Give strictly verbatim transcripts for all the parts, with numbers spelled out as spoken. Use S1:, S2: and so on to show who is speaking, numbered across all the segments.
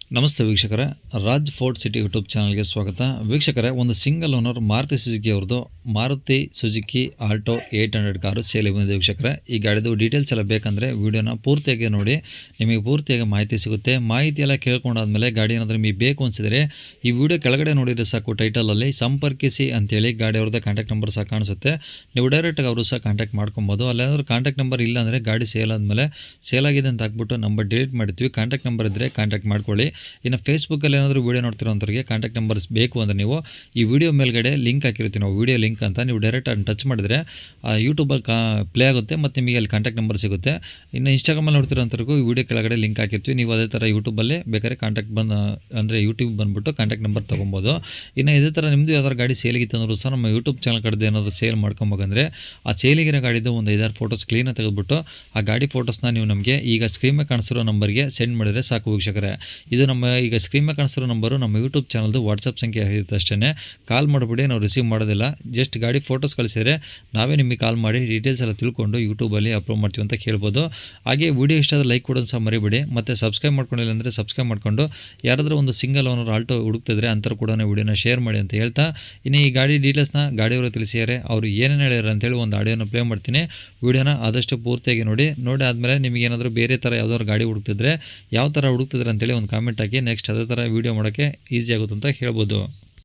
S1: ನಮಸ್ತೆ ವೀಕ್ಷಕರೇ, Raj fort city YouTube ಚಾನಲ್ಗೆ ಸ್ವಾಗತ. ವೀಕ್ಷಕರೇ, ಒಂದು ಸಿಂಗಲ್ ಓನರ್ ಮಾರುತಿ ಸುಜುಕಿ ಅವ್ರದ್ದು Maruti Suzuki Alto eight hundred car sale ಬಂದಿದೆ. ವೀಕ್ಷಕರೇ, ಈ ಗಾಡಿದು ಡೀಟೇಲ್ಸ್ ಎಲ್ಲ ಬೇಕಂದರೆ ವೀಡಿಯೋನ ಪೂರ್ತಿಯಾಗಿ ನೋಡಿ, ನಿಮಗೆ ಪೂರ್ತಿಯಾಗಿ ಮಾಹಿತಿ ಸಿಗುತ್ತೆ. ಮಾಹಿತಿ ಎಲ್ಲ ಕೇಳ್ಕೊಂಡಾದ್ಮೇಲೆ ಗಾಡಿ ಏನಾದರೂ ನಿಮಗೆ ಬೇಕು ಅನಿಸಿದರೆ ಈ ವಿಡಿಯೋ ಕೆಳಗಡೆ ನೋಡಿದರೆ ಸಾಕು, ಟೈಟಲಲ್ಲಿ ಸಂಪರ್ಕಿಸಿ ಅಂತೇಳಿ ಗಾಡಿ ಅವ್ರದ್ದು ಕಾಂಟ್ಯಾಕ್ಟ್ ನಂಬರ್ ಸಹ ಕಾಣಿಸುತ್ತೆ. ನೀವು ಡೈರೆಕ್ಟಾಗಿ ಅವರು ಸಹ ಕಾಂಟ್ಯಾಕ್ಟ್ ಮಾಡ್ಕೊಬೋದು. ಅಲ್ಲೇನಾದರೂ ಕಾಂಟ್ಯಾಕ್ಟ್ ನಂಬರ್ ಇಲ್ಲ ಅಂದರೆ ಗಾಡಿ ಸೇಲ್ ಆದಮೇಲೆ ಸೇಲ್ ಆಗಿದೆ ಅಂತ ಹಾಕ್ಬಿಟ್ಟು ನಂಬರ್ ಡಿಲೀಟ್ ಮಾಡ್ತೀವಿ. ಕಾಂಟ್ಯಾಕ್ಟ್ ನಂಬರ್ ಇದ್ದರೆ ಕಾಂಟ್ಯಾಕ್ಟ್ ಮಾಡ್ಕೊಳ್ಳಿ. ಇನ್ನು ಫೇಸ್ಬುಕ್ಕಲ್ಲಿ ಏನಾದರೂ ವೀಡಿಯೋ ನೋಡ್ತಿರೋಂಥವ್ರಿಗೆ ಕಾಂಟ್ಯಾಕ್ಟ್ ನಂಬರ್ಸ್ ಬೇಕು ಅಂದರೆ ನೀವು ಈ ವಿಡಿಯೋ ಮೇಲ್ಗಡೆ ಲಿಂಕ್ ಹಾಕಿರ್ತೀವಿ ನಾವು, ವಿಡಿಯೋ ಲಿಂಕ್ ಅಂತ. ನೀವು ಡೈರೆಕ್ಟ್ ಅದನ್ನು ಟಚ್ ಮಾಡಿದರೆ ಯೂಟ್ಯೂಬಲ್ಲಿ ಕಾ ಪ್ಲೇ ಆಗುತ್ತೆ ಮತ್ತು ನಿಮಗೆ ಅಲ್ಲಿ ಕಾಂಟ್ಯಾಕ್ಟ್ ನಂಬರ್ ಸಿಗುತ್ತೆ. ಇನ್ನು ಇನ್ಸ್ಟಾಗ್ರಾಮಲ್ಲಿ ನೋಡ್ತಿರೋಂಥವ್ರಿಗೂ ಈ ವಿಡಿಯೋ ಕೆಳಗಡೆ ಲಿಂಕ್ ಹಾಕಿರ್ತೀವಿ. ನೀವು ಅದೇ ಥರ ಯೂಟ್ಯೂಬಲ್ಲೇ ಬೇಕಾದ್ರೆ ಕಾಂಟ್ಯಾಕ್ಟ್ ಬಂದು ಅಂದರೆ ಯೂಟ್ಯೂಬ್ ಬಂದುಬಿಟ್ಟು ಕಾಂಟ್ಯಾಕ್ಟ್ ನಂಬರ್ ತೊಗೊಬೋದು. ಇನ್ನು ಇದೇ ಥರ ನಿಮ್ಮದು ಯಾವ್ದಾದ್ರು ಗಾಡಿ ಸೇಲಿಗಿತ್ತು ಅಂದರೂ ಸಹ ನಮ್ಮ ಯೂಟ್ಯೂಬ್ ಚಾನಲ್ ಕಡೆದು ಏನಾದರೂ ಸೇಲ್ ಮಾಡ್ಕೊಬೇಕಂದ್ರೆ ಆ ಸೇಲಿಗಿರೋ ಗಾಡಿದು ಒಂದು ಐದಾರು ಫೋಟೋಸ್ ಕ್ಲೀನಾಗಿ ತೆಗೆದುಬಿಟ್ಟು ಆ ಗಾಡಿ ಫೋಟೋಸ್ನ ನೀವು ನಮಗೆ ಈಗ ಸ್ಕ್ರೀನ್ ಮೇಲೆ ಕಾಣಿಸಿರೋ ನಂಬರ್ಗೆ ಸೆಂಡ್ ಮಾಡಿದರೆ ಸಾಕು ವೀಕ್ಷಕರೇ. ಇದು ನಮ್ಮ ಈಗ ಸ್ಕ್ರೀನ್ ಮೇಲೆ ಕಾಣಿಸಿರೋ ನಂಬರು ನಮ್ಮ ಯೂಟ್ಯೂಬ್ ಚಾನಲ್ದು ವಾಟ್ಸಪ್ ಸಂಖ್ಯೆ ಇರುತ್ತೆ ಅಷ್ಟೇ. ಕಾಲ್ ಮಾಡಿಬಿಡಿ, ನಾವು ರಿಸೀವ್ ಮಾಡೋದಿಲ್ಲ. ಜಸ್ಟ್ ಗಾಡಿ ಫೋಟೋಸ್ ಕಳಿಸಿದರೆ ನಾವೇ ನಿಮಗೆ ಕಾಲ್ ಮಾಡಿ ಡೀಟೇಲ್ಸ್ ಎಲ್ಲ ತಿಳ್ಕೊಂಡು ಯೂಟ್ಯೂಬಲ್ಲಿ ಅಪ್ಲೋಡ್ ಮಾಡ್ತೀವಿ ಅಂತ ಕೇಳ್ಬೋದು. ಹಾಗೆ ವಿಡಿಯೋ ಇಷ್ಟ ಆದರೆ ಲೈಕ್ ಕೊಡೋದು ಸಹ ಮರಿಬೇಡಿ. ಮತ್ತು ಸಬ್ಸ್ಕ್ರೈಬ್ ಮಾಡ್ಕೊಂಡಿಲ್ಲ ಅಂದರೆ ಸಬ್ಸ್ಕ್ರೈಬ್ ಮಾಡಿಕೊಂಡು ಯಾರಾದರೂ ಒಂದು ಸಿಂಗಲ್ ಓನರ್ ಆಲ್ಟೋ ಹುಡುಕ್ತಿದ್ರೆ ಅಂಥವ್ರು ಕೂಡ ವಿಡಿಯೋನ ಶೇರ್ ಮಾಡಿ ಅಂತ ಹೇಳ್ತಾ, ಇನ್ನು ಈ ಗಾಡಿ ಡೀಟೇಲ್ಸ್ನ ಗಾಡಿಯವರು ತಿಳಿಸಿದ್ದಾರೆ, ಅವರು ಏನೇನು ಹೇಳ್ಯಾರ ಅಂತೇಳಿ ಒಂದು ಆಡಿಯೋನ ಪ್ಲೇ ಮಾಡ್ತೀನಿ. ವಿಡಿಯೋನ ಆದಷ್ಟು ಪೂರ್ತಿಯಾಗಿ ನೋಡಿ. ನೋಡಿ ಆದಮೇಲೆ ನಿಮಗೆ ಏನಾದರೂ ಬೇರೆ ಥರ ಯಾವ್ದಾದ್ರು ಗಾಡಿ ಹುಡುಕ್ತಿದ್ರೆ ಯಾವ ಥರ ಹುಡುಕ್ತಿದ್ರೆ ಅಂತೇಳಿ ಒಂದು ಕಾಮೆಂಟ್ ಹಾಕಿ. ನೆಕ್ಸ್ಟ್ ಅದೇ ಥರ ವೀಡಿಯೋ ಮಾಡೋಕ್ಕೆ ಈಸಿ ಆಗುತ್ತೆ ಅಂತ ಹೇಳ್ಬೋದು.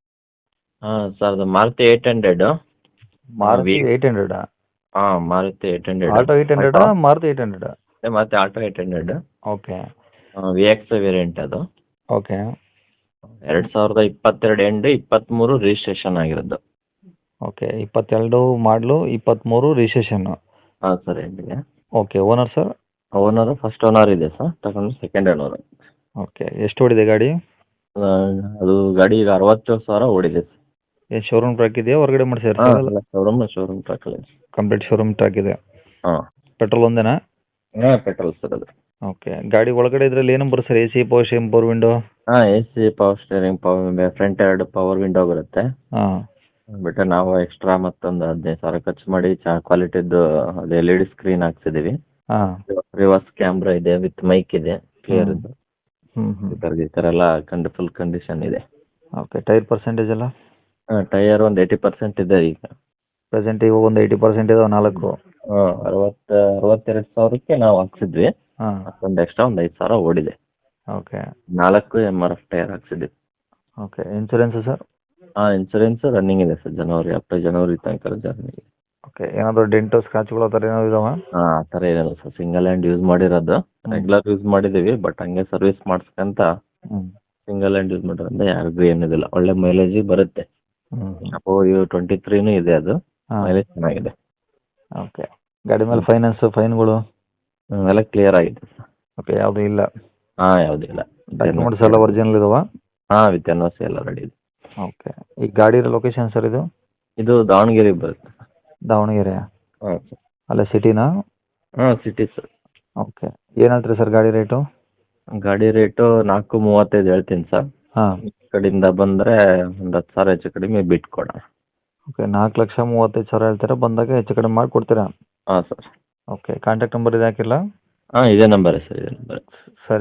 S2: ಹಾಂ ಸರ್, ಅದು Maruti eight hundred.
S3: Maruti eight hundred
S2: ಹಾಂ Maruti eight hundred
S3: Alto eight hundred Maruti eight hundred
S2: ಮತ್ತೆ Alto eight hundred
S3: okay
S2: V X variant. ಅದು
S3: ಓಕೆ
S2: ಎರಡು ಸಾವಿರದ ಇಪ್ಪತ್ತೆರಡು ಎಂಡ್ ಇಪ್ಪತ್ತ್ಮೂರು ರಿಜಿಸ್ಟ್ರೇಷನ್ ಆಗಿರೋದು.
S3: ಓಕೆ ಇಪ್ಪತ್ತೆರಡು ಮಾಡಲು ಇಪ್ಪತ್ತ್ಮೂರು ರಿಜಿಸ್ಟ್ರೇಷನ್ನು.
S2: ಹಾಂ ಸರ್, ಎಂಡಿಗೆ.
S3: Okay owner sir?
S2: Owner first owner ಇದೆ ಸರ್, ತಗೊಂಡು ಸೆಕೆಂಡ್ ಓನರ್.
S3: ಓಕೆ ಎಷ್ಟು ಓಡಿದೆ ಗಾಡಿ?
S2: ಅದು ಗಾಡಿ ಈಗ ಅರವತ್ತೇಳು ಸಾವಿರ ಓಡಿದೆ ಸರ್.
S3: ಏನು ಶೋರೂಮ್ ಟ್ರ್ಯಾಕ್ ಇದೆಯಾ, ಹೊರಗಡೆ ಮಾಡಿಸಿದ್ರೆ?
S2: ಹಾಂ, ಶೋರೂಮ್ ಶೋರೂಮ್ ಟ್ರ್ಯಾಕಲ್ಲಿ
S3: ಕಂಪ್ಲೀಟ್ ಶೋರೂಮ್ ಟ್ರ್ಯಾಕ್ ಇದೆ.
S2: ಹಾಂ,
S3: ಪೆಟ್ರೋಲ್ ಒಂದೇನಾ?
S2: ಹಾಂ ಪೆಟ್ರೋಲ್ ಸರ್ ಅದು.
S3: ಓಕೆ ಗಾಡಿ ಒಳಗಡೆ ಇದರಲ್ಲಿ ಏನು ಬರುತ್ತೆ sir? A C, power steering, power window?
S2: ಹಾಂ, A C, power steering, power front ಎರಡು ಪವರ್ ವಿಂಡೋ ಬರುತ್ತೆ.
S3: ಹಾಂ
S2: ಬಿಟ್ಟರೆ ನಾವು ಎಕ್ಸ್ಟ್ರಾ ಮತ್ತೊಂದು ಹದಿನೈದು ಸಾವಿರ ಖರ್ಚು ಮಾಡಿ ಚಾ ಕ್ವಾಲಿಟಿದ್ದು ಅದು ಎಲ್ ಇ ಡಿ ಸ್ಕ್ರೀನ್ ಹಾಕ್ಸಿದ್ದೀವಿ.
S3: ಹಾಂ
S2: ರಿವರ್ಸ್ ಕ್ಯಾಮ್ರಾ ಇದೆ, ವಿತ್ ಮೈಕ್ ಇದೆ, ಕ್ಲಿಯರ್ ಇದೆ.
S3: ಹ್ಞೂ ಹ್ಞೂ
S2: ಈ ಥರ ಎಲ್ಲ ಕಂಡು ಫುಲ್ ಕಂಡೀಷನ್ ಇದೆ.
S3: ಓಕೆ ಟೈರ್ ಪರ್ಸೆಂಟೇಜ್ ಎಲ್ಲ?
S2: ಹಾಂ, ಟೈಯರ್ ಒಂದು ಏಯ್ಟಿ ಪರ್ಸೆಂಟ್ ಇದೆ ಈಗ.
S3: ಪ್ರೆಸೆಂಟ್ ಇವಾಗ ಒಂದು ಏಯ್ಟಿ ಪರ್ಸೆಂಟ್ ಇದಾವೆ ನಾಲ್ಕು.
S2: ಹಾಂ, ಅರವತ್ತು ಅರವತ್ತೆರಡು ಸಾವಿರಕ್ಕೆ ನಾವು ಹಾಕ್ಸಿದ್ವಿ.
S3: ಹಾಂ
S2: ಮತ್ತೊಂದು ಎಕ್ಸ್ಟ್ರಾ ಒಂದು ಐದು ಸಾವಿರ ಓಡಿದೆ.
S3: ಓಕೆ
S2: ನಾಲ್ಕು ಎಮ್ ಆರ್ ಎಫ್ ಟೈರ್ ಹಾಕ್ಸಿದ್ವಿ.
S3: Okay insurance sir?
S2: ಹಾಂ, ಇನ್ಸೂರೆನ್ಸ್ ರನ್ನಿಂಗ್ ಇದೆ ಸರ್, ಜನವರಿ ಅಪ್ ಜನವರಿ ತನಕ ರನ್ನಿಂಗ್.
S3: ಓಕೆ ಏನಾದರೂ ಡೆಂಟು ಸ್ಕ್ರಾಚ್ಗಳು ಆ ಥರ ಏನಾದ್ರು ಇದಾವೆ?
S2: ಹಾಂ, ಆ ಥರ ಏನಿಲ್ಲ ಸರ್, ಸಿಂಗಲ್ ಹ್ಯಾಂಡ್ ಯೂಸ್ ಮಾಡಿರೋದು. ರೆಗ್ಯುಲರ್ ಯೂಸ್ ಮಾಡಿದ್ದೀವಿ, ಬಟ್ ಹಂಗೆ ಸರ್ವಿಸ್ ಮಾಡಿಸ್ಕೊಂತ
S3: ಹ್ಞೂ
S2: ಸಿಂಗಲ್ ಹ್ಯಾಂಡ್ ಯೂಸ್ ಮಾಡೋದ್ರಿಂದ ಯಾರಿಗೂ ಏನಿದಿಲ್ಲ, ಒಳ್ಳೆ ಮೈಲೇಜಿಗೆ ಬರುತ್ತೆ.
S3: ಹ್ಞೂ
S2: ಅಪೋ ಯು ಟ್ವೆಂಟಿ ತ್ರೀನೂ ಇದೆ, ಅದು
S3: ಹಾಂ
S2: ಮೈಲೇಜ್ ಚೆನ್ನಾಗಿದೆ.
S3: ಓಕೆ ಗಾಡಿ ಮೇಲೆ ಫೈನಾನ್ಸು ಫೈನ್ಗಳು
S2: ಹ್ಮ್, ಎಲ್ಲ ಕ್ಲಿಯರ್ ಆಗಿದೆ ಸರ್.
S3: ಓಕೆ ಯಾವುದೂ ಇಲ್ಲ?
S2: ಹಾಂ, ಯಾವುದಿಲ್ಲ.
S3: ಡಾಕ್ಯುಮೆಂಟ್ಸ್ ಎಲ್ಲ ಒರಿಜಿನಲ್ ಇದಾವೆ?
S2: ಹಾಂ, ವಿತ್ ಎನ್ ಒ ಸಿ ಎಲ್ಲ ರೆಡಿ ಇದೆ.
S3: ಓಕೆ ಈ ಗಾಡಿ ಲೊಕೇಶನ್ ಸರ್ ಇದು?
S2: ಇದು ದಾವಣಗೆರೆ ಬರುತ್ತೆ.
S3: ದಾವಣಗೆರೆ?
S2: ಹಾಂ ಸರ್.
S3: ಅಲ್ಲ ಸಿಟಿನಾ?
S2: ಹಾಂ, ಸಿಟಿ ಸರ್.
S3: ಓಕೆ ಏನು ಹೇಳ್ತೀರಿ ಸರ್ ಗಾಡಿ ರೇಟು?
S2: ಗಾಡಿ ರೇಟು ನಾಲ್ಕು ಮೂವತ್ತೈದು ಹೇಳ್ತೀನಿ ಸರ್.
S3: ಹಾಂ
S2: ಈ ಕಡೆಯಿಂದ ಬಂದರೆ ಒಂದು ಹತ್ತು ಸಾವಿರ ಹೆಚ್ಚು ಕಡಿಮೆ ಬಿಟ್ಟು ಕೊಡೋಣ.
S3: ಓಕೆ ನಾಲ್ಕು ಲಕ್ಷ ಮೂವತ್ತೈದು ಸಾವಿರ ಹೇಳ್ತೀರಾ, ಬಂದಾಗ ಹೆಚ್ಚು ಕಡಿಮೆ ಮಾಡಿ ಕೊಡ್ತೀರಾ?
S2: ಹಾಂ ಸರ್.
S3: ಓಕೆ ಕಾಂಟ್ಯಾಕ್ಟ್ ನಂಬರ್ ಇದು ಹಾಕಿರಲಾ?
S2: ಹಾಂ, ಇದೇ ನಂಬರೇ ಸರ್, ಇದೇ ನಂಬರೇ.
S3: ಸರಿ.